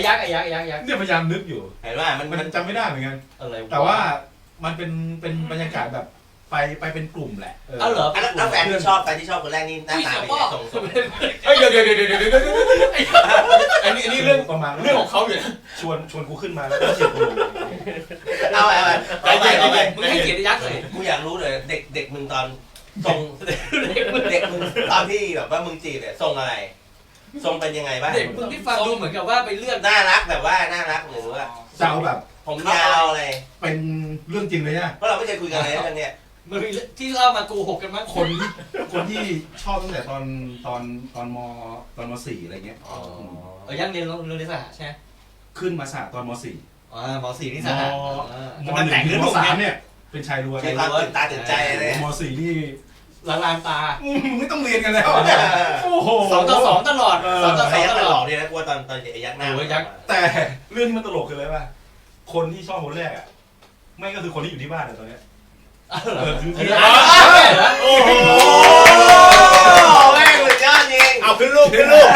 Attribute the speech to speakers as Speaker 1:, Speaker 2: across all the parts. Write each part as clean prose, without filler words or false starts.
Speaker 1: ยักษ์
Speaker 2: เนี่ยพยายามนึกอยู่
Speaker 3: เห็นว่า
Speaker 2: มันจำไม่ได้เหมือนกัน
Speaker 1: อะไร
Speaker 2: แต่ว่ามันเป็นบรรยากาศแบบไปเป็นกลุ่มแหละ
Speaker 1: เอาเหรอ
Speaker 3: แล้วแฟนที่ชอบคนแรกนี่หน้าตาเป็นไงส่ง
Speaker 1: เดี๋ยวอันนี้เรื่อง
Speaker 2: ประมาณ
Speaker 1: เรื่องของเขาอยู่นะ
Speaker 2: ชวนกูขึ้นมาแล้วก็เชียร์กูลง
Speaker 3: เอาไป
Speaker 1: มึงให้เกียรติยักษ์เลย
Speaker 3: กูอยากรู้เลยเด็กมึงตอนส่งเด็กมึงตอนที่แบบว่ามึงจีบเนี่ยส่งอะไรส่งเป็นยังไงบ้าง
Speaker 1: เด็กมึงที่ฟังดูเหมือนกับว่าไปเลือก
Speaker 3: น่ารักแบบว่าน่ารักหรือว่า
Speaker 2: จะเอาแบบ
Speaker 3: ผมยาวอะไร
Speaker 2: เป็นเรื่องจริงเลยนะ
Speaker 3: เพราะเราไม่เคยคุยกันเลยเรื่องเนี้ย
Speaker 1: มึงที่เล่ามากูหกกันมั้ง
Speaker 2: คนที่ชอบตั้งแต่ตอนม.4 อะไรเงี้ย
Speaker 1: ยังเรียนโรงเรียนสหใช่ไหม
Speaker 2: ขึ้นมาสหตอนม.4
Speaker 1: ม.4 นี่สห
Speaker 2: ม.1 ถึงม.3 เนี่ยเป็นชายล้วน
Speaker 3: ตื่นตาตื่นใจเลย
Speaker 2: ม.4 นี่
Speaker 1: ลานตา
Speaker 2: ไม่ต้องเรียนกันแล้วโอ้โห
Speaker 1: 2-2ตลอด
Speaker 3: 2-2ตลอดเนี่ยนะกลัวตอนยักษ์หน้า
Speaker 2: แต่เรื่องที่มันตลกคืออะไรป่ะคนที่ชอบคนแรกอ่ะไม่ก็คือคนที่อยู่ที่บ้านตอนนี้
Speaker 3: โอ้โหแม่งสุดยอดจริง
Speaker 4: เอาขึ้นรูป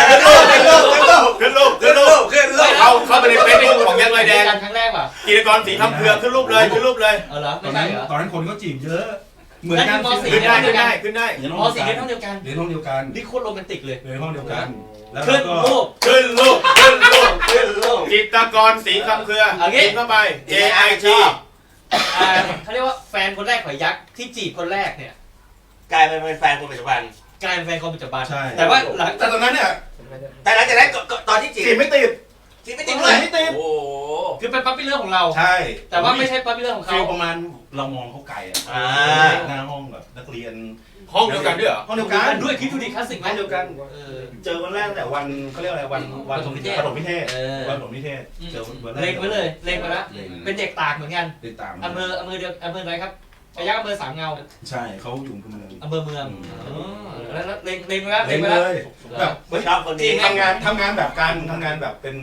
Speaker 4: เอาไปในเฟซบุ๊กของยักษ์ลอยแดง
Speaker 1: ครั้งแรกป่ะ
Speaker 4: กิจกรสีทำเผือกขึ้นรูปเลย
Speaker 1: เหรอ
Speaker 2: ตอนนั้นคนก็จีบเยอะ
Speaker 1: เหมือนกันม.4
Speaker 4: ขึ้นได้ม.4 เรียน
Speaker 1: ห้องเดียวกันนี่โคตรโรแมนติกเลย
Speaker 2: เรียนห้องเดียวกัน
Speaker 1: ขึ้นรูป
Speaker 4: จิตรกรสีคำเผือกกินเข้าไป JIT
Speaker 1: เขาเรียกว่าแฟนคนแรกของยักษ์ที่จีบคนแรกเนี่ย
Speaker 3: กลายเป็นแฟนคนปัจจุบัน
Speaker 1: แต่ว่าหลัง
Speaker 2: แต่ตอนนั้นเนี่ย
Speaker 3: แต่หลังจากนั้นตอนที่จีบ
Speaker 2: ไม่ติด
Speaker 3: เลยโอ้
Speaker 1: คือเป็นปั๊บปี้เรื่องของเรา
Speaker 2: ใช่
Speaker 1: แต่ว่าไม่ใช่ปั๊บปี้เรื่องของเขา
Speaker 2: ประมาณเรามองเขาไกลอ่ะหน้าห้องแบบนักเรียน
Speaker 4: ห้องเดียวกันด้วยเหรอ
Speaker 2: ห้องเดียวกัน
Speaker 1: ด้วยคิดดูดิคลาสสิกไหม
Speaker 2: เดียวกันเจอวันแรกแต่วันเขาเรียกอะไรวันปฐมนิเทศเจอวันแรก
Speaker 1: เล็งไว้เลยเล็งไปแล้วเป็นเด็กตากเหมือนกัน
Speaker 2: เด็กตาก
Speaker 1: อำเภอเดียวอำเภอไหนครับยักษ์อำเภอสามเงา
Speaker 2: ใช่เขาอยู่
Speaker 1: อำเภอเมืองแล้วเล็งไปแล้ว
Speaker 2: แบบ
Speaker 3: ชอบคนนี้
Speaker 2: ทำงานแบบการทำงานแบบเป็น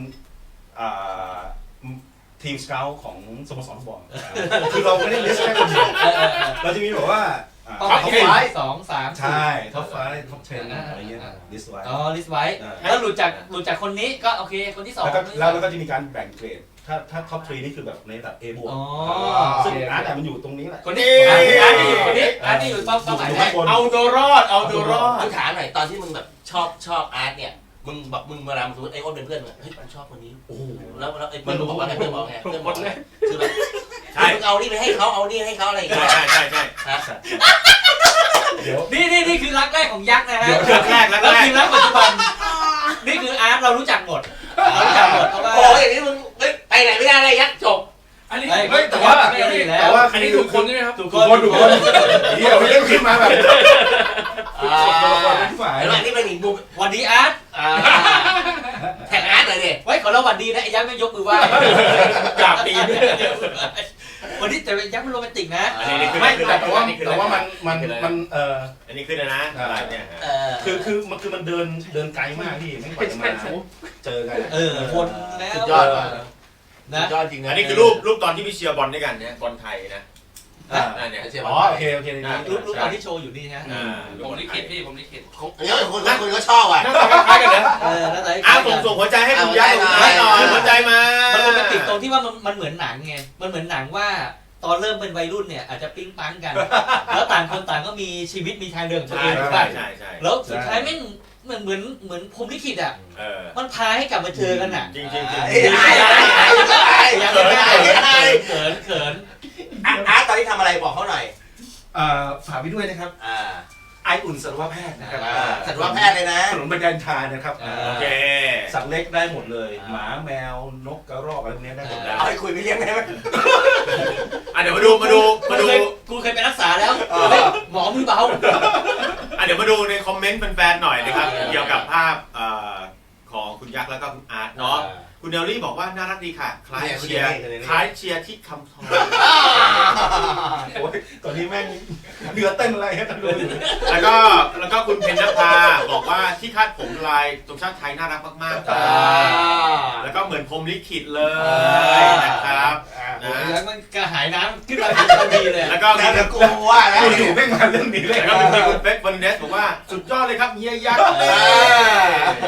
Speaker 2: ทีมสเกลของสโมสรฟุตบอลคือเราไม่ได้ลิสต์แค่คนเดียวเราจะมีแบบว่า
Speaker 1: ท็อป5 2 3
Speaker 2: ใช่ท็อป5ท็อป10อะไรเงี้ยลิสต์ไว้
Speaker 1: ลิสต์ไว้แล้วหลุดจากคนนี้ก็โอเคคนที่2
Speaker 2: แล้วก็จะมีการแบ่งเกรดถ้าท็อป3นี่คือแบบในระดับ A บวกซึ่งอาร์ตมันอยู่ตรงนี้แหละ
Speaker 1: คนนี้อาร์ตนี่อยู่เป้าหมายแรก
Speaker 4: เอาตัวรอด
Speaker 3: กูถามหน่อยตอนที่มึงแบบชอบอาร์ตเนี่ยมึงเวลาสมมติไอ้อ้นเป็นเพื่อนมึงเฮ้ยมันชอบคนนี้โอ้แล้วไอ้เพื่อนบอกว่าไงเพื่อนบอกไงเพื่อนบอกเลยคือแบบมึงเอานี่ไปให้เขาเอานี่ให้เขาอะไรอย่างเงี้ย
Speaker 4: ใช่
Speaker 1: นี่คือรักแรกของยักษ์นะฮะ
Speaker 4: รัก
Speaker 1: แล้วคือรักปัจจุบันนี่คืออาร์ตเรารู้จักหมด
Speaker 3: โอ้ยอย่างนี้มึงไปไหนไม่ได้เลยยักษ์จบ
Speaker 1: อันนี้แต่ว่า
Speaker 4: อันนี้ถูกคนใช่ไหมครับ
Speaker 2: ถูกคนเดี๋ยวไม่ได้ขึ้นมาแบบ
Speaker 3: แล้วนี่เป็นอีกมุม
Speaker 1: วันดีอาร์ต
Speaker 3: แท็กอาร์ตเลยเนี่ย
Speaker 1: ไว้ขอเราวันดีนะไอ้ยักษ์ไม่ยกมือไหว้
Speaker 4: กราบตีน
Speaker 1: วันนี้แต่ยักษ์มันโรแมนติกนะ
Speaker 2: ไม่แต่ว่ามัน
Speaker 4: อันนี้ขึ้นนะอะไรเนี่ย
Speaker 2: คือมันเดินไกลมากพี่ไม่กว่าจะมาเจอกัน
Speaker 1: คนแล้ว
Speaker 3: สุดยอด
Speaker 4: นะยอดจริงนะอันนี้คือรูปตอนที่พี่เชียร์บอลด้วยกันเนี่ยบอลไทยนะ
Speaker 2: เนี่ยโอเค
Speaker 1: รูปตอนที่โชว์อยู่นี่ฮะ
Speaker 4: ผมลิขิตพี่ผมลิขิต
Speaker 3: คนก็ชอบอ่ะ
Speaker 4: คล้ายกันนะส่งหัวใจให้คุณยักษ์หัวใจมา
Speaker 1: มันโรแมนติกตรงที่ว่ามันเหมือนหนังไงมันเหมือนหนังว่าตอนเริ่มเป็นวัยรุ่นเนี่ยอาจจะปิ๊งปังกันแล้วต่างคนต่างก็มีชีวิตมีทางเดินของตัวเองไปแล้วสุดท้ายไม่เหมือนพรหมลิขิตอ่ะมันพาให้กลับมาเจอกันอ่ะ
Speaker 4: จริง
Speaker 1: เขิน
Speaker 3: อาร์ตตอนนี้ทำอะไรบอกเขาหน่อย
Speaker 2: ฝากไปด้วยนะครับไออุ่นสัตวแพทย์นะครับ
Speaker 3: สัตวแพทย์เลยนะ
Speaker 2: ถนนบรรยายทานนะครับ
Speaker 4: โอเค
Speaker 2: สัตว์เล็กได้หมดเลยหมาแมวนกกระรอกอะไรพวกนี้ได้หมด
Speaker 3: เอาไปคุยไปเลี้ยงได้ไหม
Speaker 4: เดี๋ยวมาดู
Speaker 1: กูเคยไปรักษาแล้วหมอมือเบา
Speaker 4: เดี๋ยวมาดูในคอมเมนต์แฟนๆหน่อยนะครับเกี่ยวกับภาพของคุณยักษ์แล้วก็คุณอาร์ตเนาะคุณเนลลี่บอกว่าน่ารักดีค่ะคล้ายเชียร์ที่คำทอง
Speaker 2: โอ้ยตอนนี้แม่งเดือดเต้นอะไรกันดู
Speaker 4: แล้วก็คุณเพญนภาบอกว่าที่คาดผมลายตรงชาติไทยน่ารักมากๆแล้วก็เหมือนพรหมลิขิตเลยนะครับ
Speaker 1: แล้วมันกระหายน้ำขึ้นมาทันทีเลย
Speaker 4: แล้วก็
Speaker 3: กูว่าแล้ว
Speaker 2: อยู่ไม่มาเรื่องนี้เลย
Speaker 4: แล้วก็คุณเป๊กวันเดสบอกว่าสุดยอดเลยครับเฮียยักษ์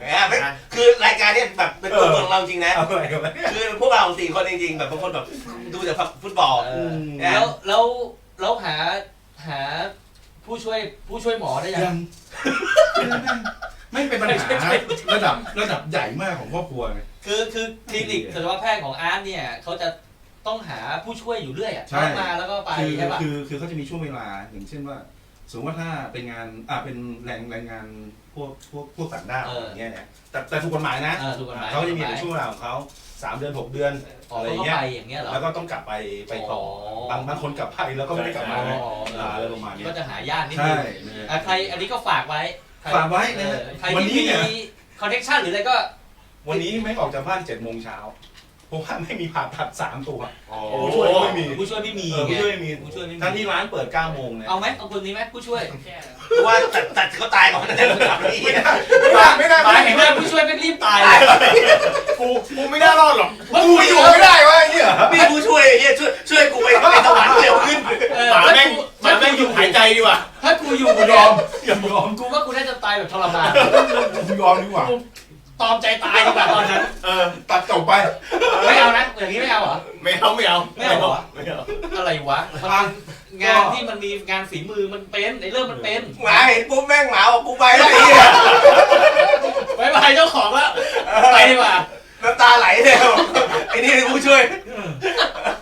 Speaker 3: คือรายการเนี้ยแบบเป็นตัวตนเราจริงนะ
Speaker 2: เอาอะไรกันวะ
Speaker 3: คือพวกเรา4 คนจริงๆแบบบางคนแบบดูแต่ฟุตบอล
Speaker 1: แล้วหาผู้ช่วยหมอได้ยัง
Speaker 2: ยังไม่เป็นปัญหาระดับใหญ่มากของครอบครัวไง
Speaker 1: คือคลินิกสัตวแพทย์ของอาร์ตเนี่ยเขาจะต้องหาผู้ช่วยอยู่เรื่อยอ่ะ
Speaker 2: ใช่
Speaker 1: เข้ามาแล้วก็ไปใช่ป่ะ
Speaker 2: คือเขาจะมีช่วงเวลาอย่างเช่นว่าสมมติว่าถ้าเป็นงานเป็นแรงงานพวกต่างด้าวอย่างเงี้ยเนี่ยแต่ถูกกฎหมายนะ
Speaker 1: ถูกกฎหมาย
Speaker 2: เขาจะมีเป็นช่วงเวลาของเขา3 เดือน 6 เดือน อะไรอย่างเงี้ย
Speaker 1: ไปอย่างเงี้ยเหรอ
Speaker 2: แล้วก็ต้องกลับไปต่อบางคนกลับไปแล้วก็ไม่ได้กลับมาอะไรประมาณนี้
Speaker 1: ก็จะหาญาตินิด
Speaker 2: ใช่
Speaker 1: นึงใครอันนี้ก็ฝากไว้
Speaker 2: ฝากไว้นะ
Speaker 1: ใคร
Speaker 2: วัน
Speaker 1: ที่
Speaker 2: นี้
Speaker 1: มี
Speaker 2: เนี่ย
Speaker 1: คอนเนคชั่นหรืออะไรก็
Speaker 2: วันนี้ไม่ออกจากบ้าน7 โมงเช้าเพราะว่าไม่มีผ่าตัด3 ตัว
Speaker 1: ผู้
Speaker 2: ช่วยไม่มี
Speaker 1: ผู้ช่วยไม่มี
Speaker 2: ผู้ช่วยไม่มี
Speaker 1: ผู้ช่วยไม่มี
Speaker 2: ทั้งที่ร้านเปิด9 โมงเนี่ย
Speaker 1: เอาไหมเอาคนนี้ไหมผู้ช่วย
Speaker 3: เพราะว่าตัดเขาตายก่อนนะกลับนี่
Speaker 2: ไม่ได้
Speaker 1: หมายเห็นว่าผู้ช่วยไม่รีบตายเลย
Speaker 4: กูไม่น่ารอดหรอก
Speaker 2: กูอยู่ไม่ได้วะไอ้เนี่ย
Speaker 3: มีผู้ช่วยเฮียช่วยกูไปสวรรค์เร็วขึ้น
Speaker 4: หมาแม่งหยุดหายใจดีกว่า
Speaker 1: ถ้ากูอยู่
Speaker 2: ยอมอย่ายอม
Speaker 1: กูว่ากูน่าจะตายแบบทรมาน
Speaker 2: กูยอมดีกว่า
Speaker 1: ตอมใจตายดีกว่าตอนนั้น
Speaker 2: ตัดจบไป
Speaker 1: ไม่เอานะอย่างนี้ไม่เอาเหรอ
Speaker 4: ไม่เอา
Speaker 1: ไม่เอาเหรอ
Speaker 4: ไม่เอา
Speaker 1: อะไรวะงานที่มันมีงานฝีมือมันเป็นไอ้เรื่องมันเป็น
Speaker 3: หมาเห็นปุ๊บแม่งหมาบอกกูไปแล้วไอ้เหี้ย
Speaker 1: บายบายเจ้าของแล้วไปดีกว่า
Speaker 3: น้ำตาไหลเลยไอ้นี่ผู้ช่วย